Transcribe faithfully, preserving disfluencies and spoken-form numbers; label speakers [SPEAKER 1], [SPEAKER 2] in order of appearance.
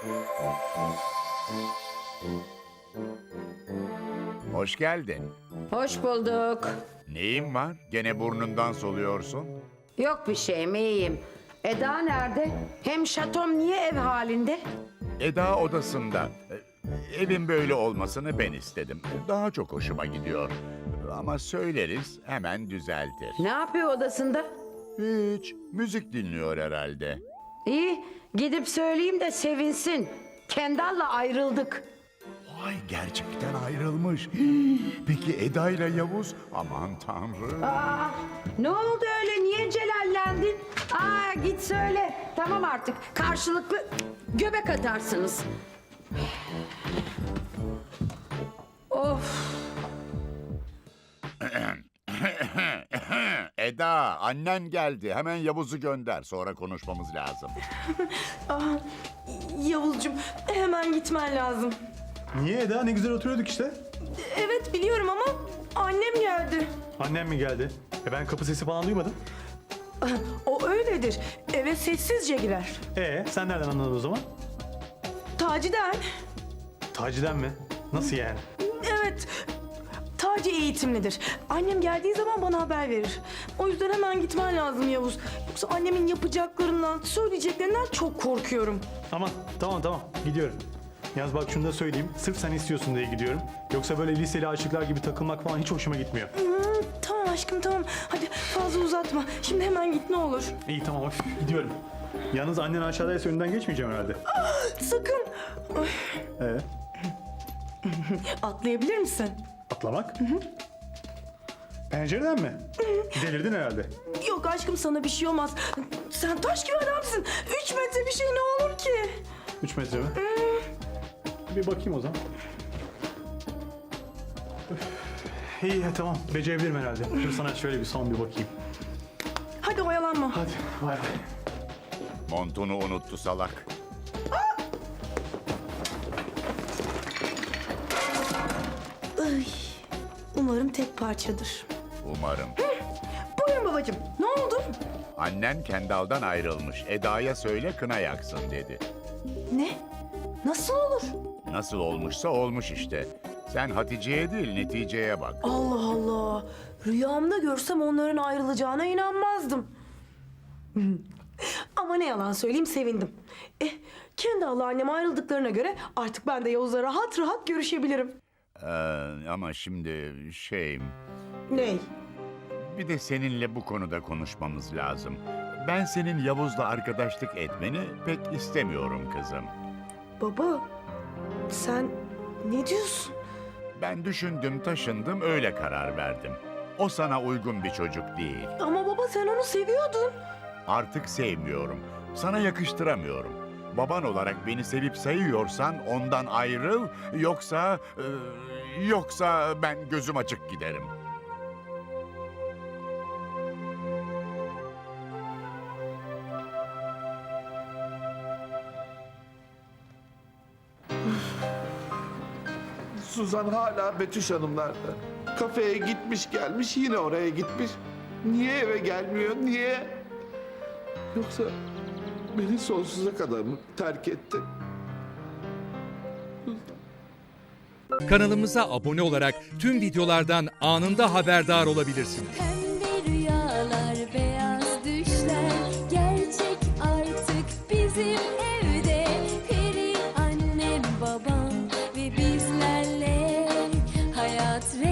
[SPEAKER 1] Hoş geldin.
[SPEAKER 2] Hoş bulduk.
[SPEAKER 1] Neyin var? Gene burnundan soluyorsun.
[SPEAKER 2] Yok bir şeyim, iyiyim. Eda nerede? Hem şatom niye ev halinde?
[SPEAKER 1] Eda odasında. E, Evin böyle olmasını ben istedim. Daha çok hoşuma gidiyor. Ama söyleriz, hemen düzeltir.
[SPEAKER 2] Ne yapıyor odasında?
[SPEAKER 1] Hiç. Müzik dinliyor herhalde.
[SPEAKER 2] İyi, gidip söyleyeyim de sevinsin. Kendall'la ayrıldık.
[SPEAKER 1] Vay, gerçekten ayrılmış. Hii, Peki Eda ile Yavuz? Aman tanrım.
[SPEAKER 2] Aa, ne oldu öyle? Niye celallendin? Aa, git söyle. Tamam artık. Karşılıklı göbek atarsınız. Of.
[SPEAKER 1] Eda, annen geldi. Hemen Yavuz'u gönder. Sonra konuşmamız lazım.
[SPEAKER 3] Yavuzcuğum hemen gitmen lazım.
[SPEAKER 4] Niye Eda? Ne güzel oturuyorduk işte.
[SPEAKER 3] Evet biliyorum ama annem geldi.
[SPEAKER 4] Annem mi geldi? E ben kapı sesi falan duymadım.
[SPEAKER 3] O öyledir. Eve sessizce girer.
[SPEAKER 4] E sen nereden anladın o zaman?
[SPEAKER 3] Taci'den.
[SPEAKER 4] Taci'den mi? Nasıl yani?
[SPEAKER 3] Evet. Taci eğitimlidir. Annem geldiği zaman bana haber verir. O yüzden hemen gitmen lazım Yavuz. Yoksa annemin yapacaklarından, söyleyeceklerinden çok korkuyorum.
[SPEAKER 4] Aman tamam tamam gidiyorum. Yalnız bak şunu da söyleyeyim. Sırf sen istiyorsun diye gidiyorum. Yoksa böyle liseli aşıklar gibi takılmak falan hiç hoşuma gitmiyor.
[SPEAKER 3] Hmm, tamam aşkım tamam. Hadi fazla uzatma. Şimdi hemen git ne olur.
[SPEAKER 4] İyi tamam hoş gidiyorum. Yalnız annen aşağıdaysa önünden geçmeyeceğim herhalde.
[SPEAKER 3] Sakın. Ay,
[SPEAKER 4] Ee,
[SPEAKER 3] atlayabilir misin?
[SPEAKER 4] atlamak? Hı hı. Pencereden mi? Delirdin herhalde.
[SPEAKER 3] Yok aşkım sana bir şey olmaz. Sen taş gibi adamsın. Üç metre bir şey ne olur ki?
[SPEAKER 4] Üç metre mi? Bir bakayım o zaman. Üf. İyi tamam becerebilirim herhalde. Dur sana şöyle bir son bir bakayım.
[SPEAKER 3] Hadi oyalanma.
[SPEAKER 4] Hadi bay bay.
[SPEAKER 1] Montunu unuttu salak.
[SPEAKER 3] Ay, umarım tek parçadır.
[SPEAKER 1] Umarım.
[SPEAKER 3] Buyurun babacığım. Ne oldu?
[SPEAKER 1] Annen Kendall'dan ayrılmış. Eda'ya söyle kına yaksın dedi.
[SPEAKER 3] Ne? Nasıl olur?
[SPEAKER 1] Nasıl olmuşsa olmuş işte. Sen Hatice'ye değil neticeye bak.
[SPEAKER 3] Allah Allah. Rüyamda görsem onların ayrılacağına inanmazdım. Ama ne yalan söyleyeyim sevindim. Eh, kendi Allah annem ayrıldıklarına göre artık ben de Yavuz'la rahat rahat görüşebilirim.
[SPEAKER 1] Ee, ama şimdi şey...
[SPEAKER 3] Ney?
[SPEAKER 1] Bir de seninle bu konuda konuşmamız lazım. Ben senin Yavuz'la arkadaşlık etmeni pek istemiyorum kızım.
[SPEAKER 3] Baba, sen ne diyorsun?
[SPEAKER 1] Ben düşündüm, taşındım, öyle karar verdim. O sana uygun bir çocuk değil.
[SPEAKER 3] Ama baba sen onu seviyordun.
[SPEAKER 1] Artık sevmiyorum. Sana yakıştıramıyorum. Baban olarak beni sevip sayıyorsan ondan ayrıl, yoksa... e, yoksa ben gözüm açık giderim.
[SPEAKER 5] Suzan hala Betüş Hanımlar'da. Kafeye gitmiş gelmiş yine oraya gitmiş. Niye eve gelmiyor niye? Yoksa beni sonsuza kadar mı terk etti?
[SPEAKER 6] Kanalımıza abone olarak tüm videolardan anında haberdar olabilirsiniz.
[SPEAKER 7] Pembe rüyalar, beyaz düşler gerçek artık bizim evde. Peri annem, babam ve bizlerle hayat